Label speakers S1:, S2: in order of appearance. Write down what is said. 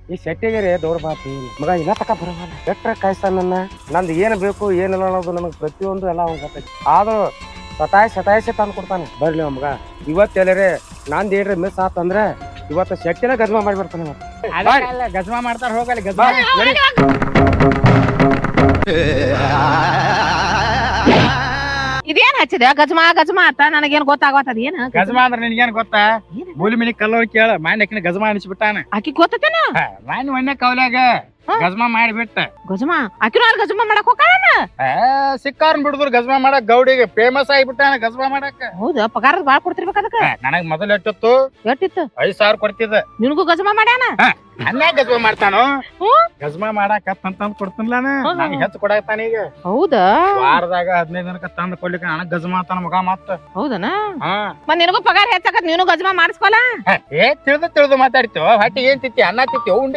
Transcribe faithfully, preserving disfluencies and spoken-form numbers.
S1: ಈ ಸೆಟ್ಟಿಗೆ ದೌಡ್ ಬಾತಿ ಮಗ ಇಲ್ಲ ತಕ ಬರವಲ್ಲ ಎಟ್ರ ಕಾಯ್ತಾನ ನನ್ನ ನಂದು ಏನು ಬೇಕು ಏನಿಲ್ಲ ಅನ್ನೋದು ನನಗೆ ಪ್ರತಿಯೊಂದು ಎಲ್ಲ ಅವ್ನು ಗೊತ್ತೈತಿ ಆದ್ರೂ ಸತಾಯಿಸಿ ಸತಾಯಿಸಿ ತಂದು ಕೊಡ್ತಾನೆ ಬರ್ಲಿ ಮಗ ಇವತ್ತು ಎಲ್ಲರೇ ನಂದು ಏನ್ರಿ ಮಿಸ್ ಆತಂದ್ರೆ ಇವತ್ತು ಶೆಟ್ಟಿನ ಗಜ್ಮಾ ಮಾಡಿ ಬರ್ತಾನೆ
S2: ಗಜ್ಮಾ ಮಾಡ್ತಾರ ಹೋಗಲ್ಲ ಗಜ್ಮಾ
S3: ಇದೇನ್ ಹಚ್ಚಿದ ಗಜ್ಮಾ ಗಜ್ಮಾ ಅಂತ ನನಗೇನ್ ಗೊತ್ತಾಗತ್ತದ ಏನ
S2: ಗಜ್ಮಾ ಅಂದ್ರೆ ನಿನ್ಗೇನ್ ಗೊತ್ತಾ ಮೂಲಿ ಮಿನಿ ಕಲ್ಲವ್ರು ಕೇಳ ಮಾನ್ಯಕಿನ ಗಜ್ಮಾ ಅನಿಸ್ಬಿಟ್ಟಾನ
S3: ಆಕಿ ಗೊತ್ತೇನ
S2: ಮಾನ್ಯ ಮನ್ಯ ಕೌಲ್ಯಾಗ ಗಜ್ಮಾ ಮಾಡಿಬಿಟ್ಟ
S3: ಗಜ್ಮಾ ಆಕಿನೂ ಅಲ್ಲಿ ಗಜ್ಮಾ ಮಾಡಕ್ ಹೋಗಾನ
S2: ಸಿಕ್ಕಾರ್ನ್ ಬಿಡುದ್ರು ಗಜ್ಮಾ ಮಾಡಕ್ ಗೌಡಿಗೆ ಫೇಮಸ್ ಆಗಿಬಿಟ್ಟಾನ ಗಜ್ಮಾ ಮಾಡಕ್
S3: ಹೌದಾ ಪಗಾರ ಬಾಳ್ ಕೊಡ್ತಿರ್ಬೇಕ ಅದಕ್ಕ
S2: ನನಗ್ ಮೊದಲು ಎಷ್ಟಿತ್ತು
S3: ಎಷ್ಟಿತ್ತು
S2: ಐದ್ ಸಾವಿರ ಕೊಡ್ತಿದ್ದ
S3: ನಿನಗೂ ಗಜ್ಮಾ ಮಾಡ್ಯಾನ
S2: ಅನ್ಯಾಗ ಗಜ್ಮಾ ಮಾಡ್ತಾನು
S3: ಹ್ಮ್
S2: ಗಜ್ಮಾ ಮಾಡಾಕ ತಂದ್ ಕೊಡ್ತಿನ್ಲಾನ ನಂಗೆ ಹೆಚ್ಚು ಕೊಡಾಕ್ತಾನ ಈಗ
S3: ಹೌದಾ
S2: ವಾರದಾಗ ಹದಿನೈದು ದಿನಕ್ಕ ತಂದ್ ಕೊಡ್ಲಿಕ್ಕೆ ನನಗ್ ಗಜ್ಮಾ ಅಂತಾನ ಮಗ ಮತ್ತ
S3: ಹೌದನ
S2: ಹಾ
S3: ಮತ್ ನಿನಗೂ ಪಗಾರ ಹೆಚ್ಚಾಕತ್ ನೀನು ಗಜ್ಮಾ ಮಾಡಿಸ್ಕೊಲ್ಲ
S2: ಏ ತಿಳಿದು ತಿಳಿದು ಮಾತಾಡ್ತೀವ ಹೊಟ್ಟಿ ಏನ್ ತಿತ್ತಿ ಅನ್ನ ತಿತ್ತಿ ಉಂಡಿ